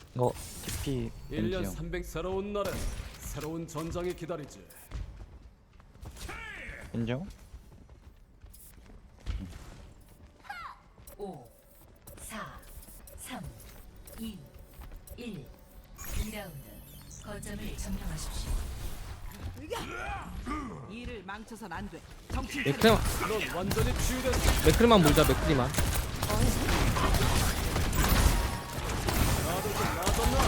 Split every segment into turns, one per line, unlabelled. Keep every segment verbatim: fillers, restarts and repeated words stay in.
어, 티피
일 년
벤지형.
삼백 새로운 날에 새로운 전장이 기다리지.
인정?
오, 사, 삼, 이, 일. 이 라운드 거점을 점령하십시오.
일을 망쳐선 안 돼. 정신
맥크리만
넌 완전히 치유됐어.
맥크리만 물자 맥크리만.
나도 좀 나아졌나?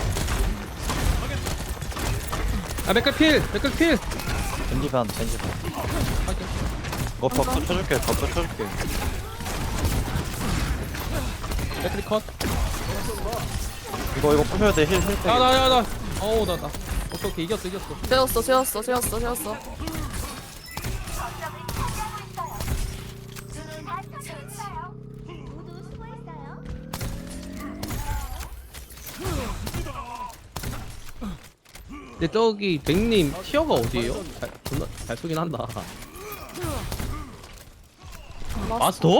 아 맥크리 필 맥크리 필.
벤지 반, 벤지 반.
확인.
어, 버프 쳐줄게, 버프 쳐줄게.
맥크리 컷.
이거, 이거 부셔야 돼, 힐, 힐 빼.
야나야나. 어우 나나. 오케이 오케이 이겼어 이겼어.
재웠어 재웠어 재웠어 재웠어.
모두 수고했어요.
근데 저기 맥님 티어가 어디에요? 잘 존나 잘 쏘긴 한다. 마스터?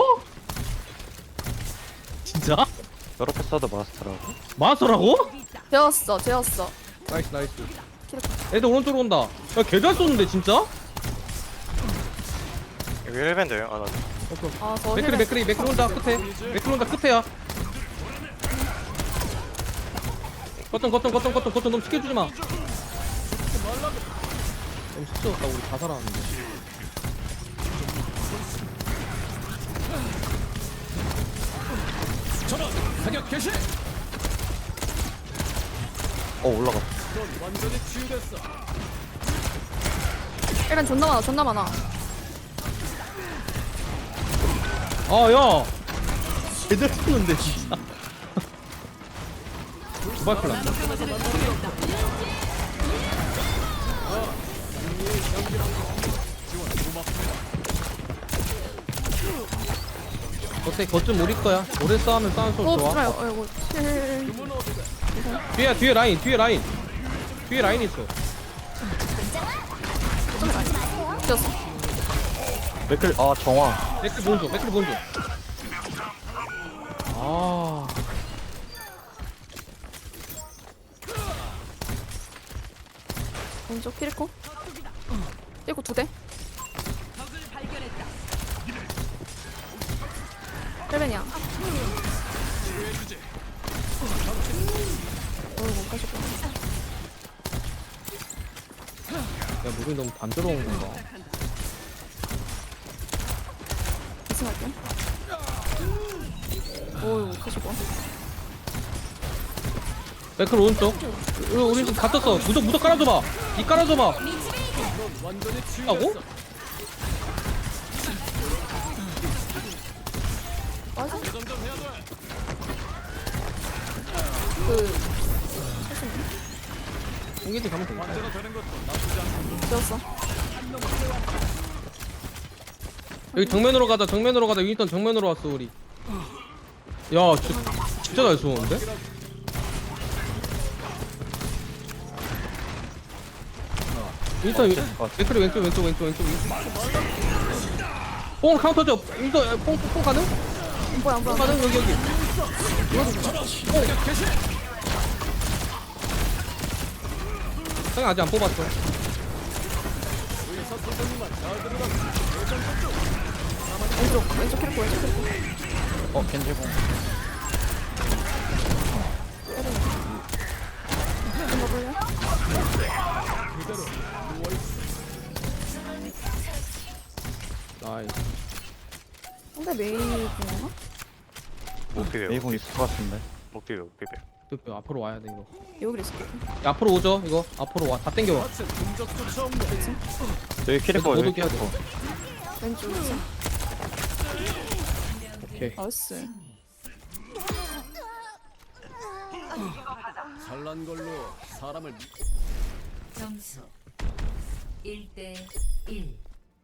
진짜?
저렇게 써도 마스터라고?
마스터라고?
재웠어 재웠어.
나이스 나이스. 애들 오른쪽으로 온다. 야 개잘 쏘는데 진짜?
여기 힐밴드요? 아, 나
아저
맥크리 맥크리 맥크리 혼자 끝에. 맥크리 혼자 끝에야. 거점 거점 거점 거점 거점 너무 시켜주지 마. 너무 시끄럽다 우리 다 살아왔는데.
전원 사격 개시.
어, 올라가.
넌 완전히 치유됐어.
일단 존나 많아 존나 많아.
아야 제대로 쏘는데 진짜. 두발 클 났다. 어때 거점 우리 거야. 오래 싸우면 싸우는 소리
어
좋아.
불어요. 어이구. 힐.
뒤에 뒤에 라인 뒤에 라인 뒤에 라인 있어.
재웠어.
맥클, 아, 정화.
맥클 본조 맥클 본조. 아
왼쪽 키리코. 키리코 두 대.
적을 발견했다.
헬벤이야. 어이구 못 가셨구나.
야 무빙 너무 단조로운 건가.
이승할게. 어이구 못 가시고.
맥클 오른쪽. 우리 우리 좀 갇혔어. 무적 무적 깔아줘봐. 이 깔아줘봐.
넌 완전히
하고?
치유됐어.
맞아?
점점 해야 돼.
그
공개지 가면 되겠다.
완전히 되는 것도 나쁘지 않고.
재웠어.
여기 정면으로 가자. 정면으로 가자. 윈스턴 정면으로 왔어 우리. 야 진짜 진짜 잘 쏘는데? 윈스턴 윈- 맥클이 왼쪽 왼쪽 왼쪽 왼쪽 뽕 카운터 줘. 윈스턴 뽕뽕 가능?
안 보여 안 보여.
뽕 가능 여기 여기. 형이 아직 안 뽑았어.
의사 선생님만 잘 들으라.
왼쪽 왼쪽 키리코 왼쪽 키리코.
어, 벤지 공.
이거 볼래?
그대로 누워있어.
나이스.
근데 메이 공이나?
못 비벼.
메이공 있을 것 같은데.
못 비벼, 못 비벼.
또 앞으로 와야 돼 이거.
여기 있을게.
야, 앞으로 오죠 이거. 앞으로 와. 다 땡겨와.
마치 흔적조차 없네.
여기 키리코,
모두
여기
깨야 돼.
키리코.
왼쪽 있어.
오케이.
나이스.
잘난 걸로 사람을 미...
점수 일 대 일.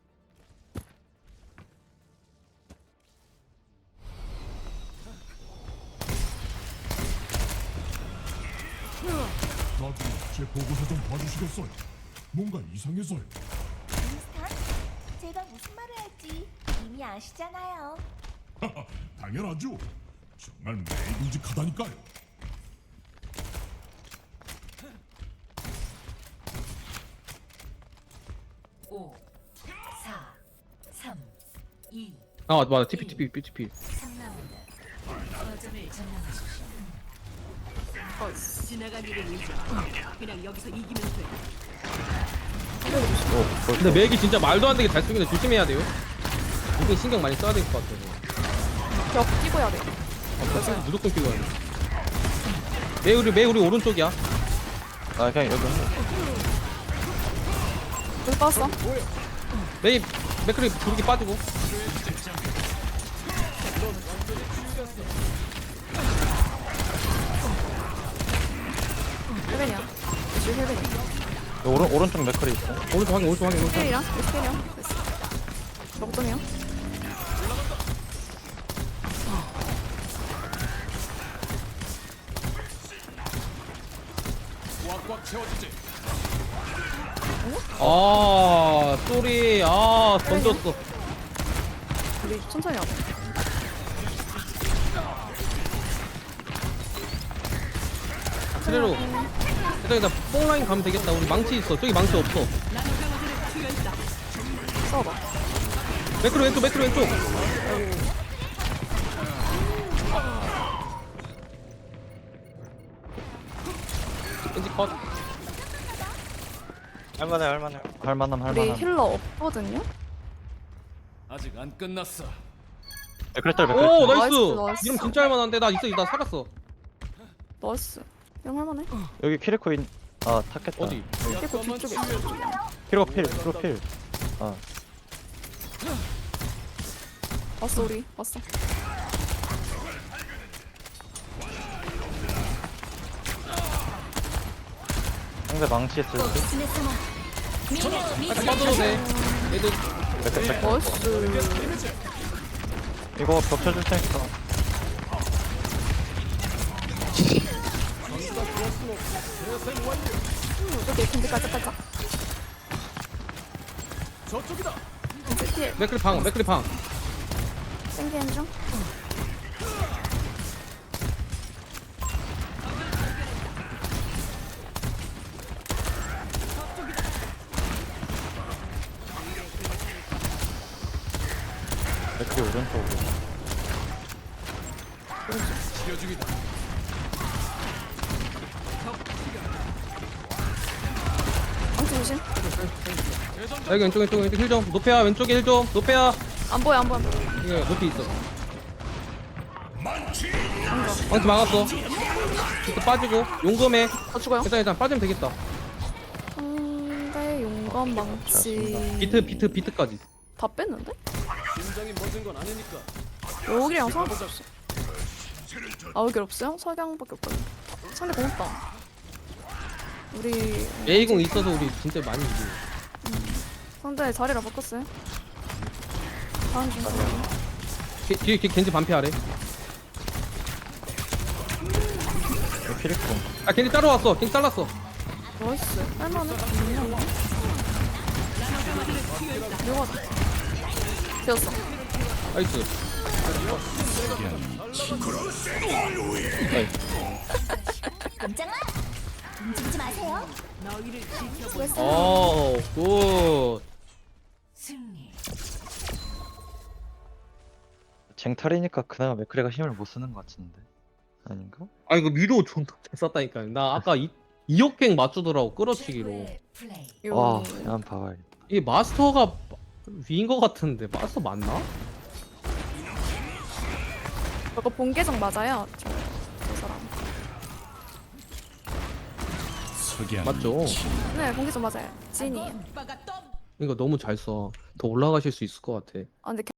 나중에 제 보고서 좀 봐주시겠어요? 뭔가 이상해서요.
윈스턴, 제가 무슨 말을 할지 이미 아시잖아요.
당연하죠. 정말 매일직하다니까요.
오, 사, 삼, 이,
아 맞아 티피 티피 티피.
삼 라운드. 거점을 점령하십시오.
지나간 일을 잊어. 그냥 여기서 이기면 돼.
근데 맥이 진짜 말도 안 되게 잘 쓰긴 해. 조심해야 돼요. 이게 신경 많이 써야 될 것 같아요.
벽 끼고 해야 돼.
아, 무조건 끼고 해야 돼. 매 우리 매 우리 오른쪽이야.
아 그냥 여기
여기 빠졌어.
메이 맥크리 부르기 빠지고.
헬벤이야. 지금 헬벤이야.
오른 오른쪽 맥클이 있어.
오른쪽 확인 오른쪽 확인 오른쪽.
헬이랑 헬이랑 됐어. 먹점이야.
꽉꽉 채워주지.
아 쏘리 아 던졌어.
우리 천천히 하자.
트레로. 일단 뽕라인 가면 되겠다. 우리 망치 있어. 저기 망치 없어.
싸워봐.
맥크로 왼쪽 맥크로 왼쪽. 왠지 컷.
할만해 할만해.
할만함
우리
할만함.
힐러 없거든요.
아직 안 끝났어.
맥클 딸 맥클.
오
나이스,
나이스.
나이스.
이름 진짜 할만한데 나 있어 나 살았어.
나이스. 이런 할만해.
여기 키리코 인. 아 탔겠다.
어디?
깨고 뒤쪽에 있어.
키리코 필 키리코 필. 아
왔어 우리. 왔어.
상대 망치 했을 때.
아 빠져도 돼. 얘들
맥클 맥클.
나이스.
이거 벽 쳐줄 테니까.
저기 근데 깔짝깔짝.
저쪽이다.
이제 힐.
맥크리 방 맥크리 방.
생기는 중.
맥클이 오른쪽으로.
치료 중이다.
망치 조심.
여기 왼쪽 왼쪽 왼쪽 힐 좀. 노페야 왼쪽에 힐 좀. 노페야.
안 보여 안 보여.
이게 높이 있어. 망치 막았어. 이거 빠지고 용검에.
다 죽어요.
일단 일단 빠지면 되겠다.
상대 용감 망치.
비트 비트 비트까지.
다 뺐는데?
심장이 멎은 건 아니니까.
여기랑 상관없어. 아 여기 없어요? 석양밖에 없거든. 상대 고맙다. 우리
에이공 있어서 우리 진짜 많이 이겨.
상대 자리를 바꿨어요. 다음 중.
뒤- 뒤에 뒤에 겐지 반피하래.
여기 키리코.
아 겐지 따라왔어. 겐지 잘랐어.
나이스. 할만해. 묘하다. 되었어.
나이스.
깜짝아! 움직이지 마세요.
너희를 지켜보.
수고했어.
어 굿.
승리.
쟁탈이니까 그나마 맥클이가 힘을 못 쓰는 것 같은데. 아닌가?
아 이거 미도 존나 잘 썼다니까. 나 아까 이 이억갱 맞추더라고 끌어치기로.
최고의 플레이.
요-
와 그냥 봐봐.
이게 마스터가 위인 것 같은데 마스터 맞나?
저거 본계정 맞아요. 저, 저 사람.
맞죠?
네, 본계정 맞아요. 찐이.
오빠가 또
이거 너무 잘 써. 더 올라가실 수 있을 것 같아.
아 근데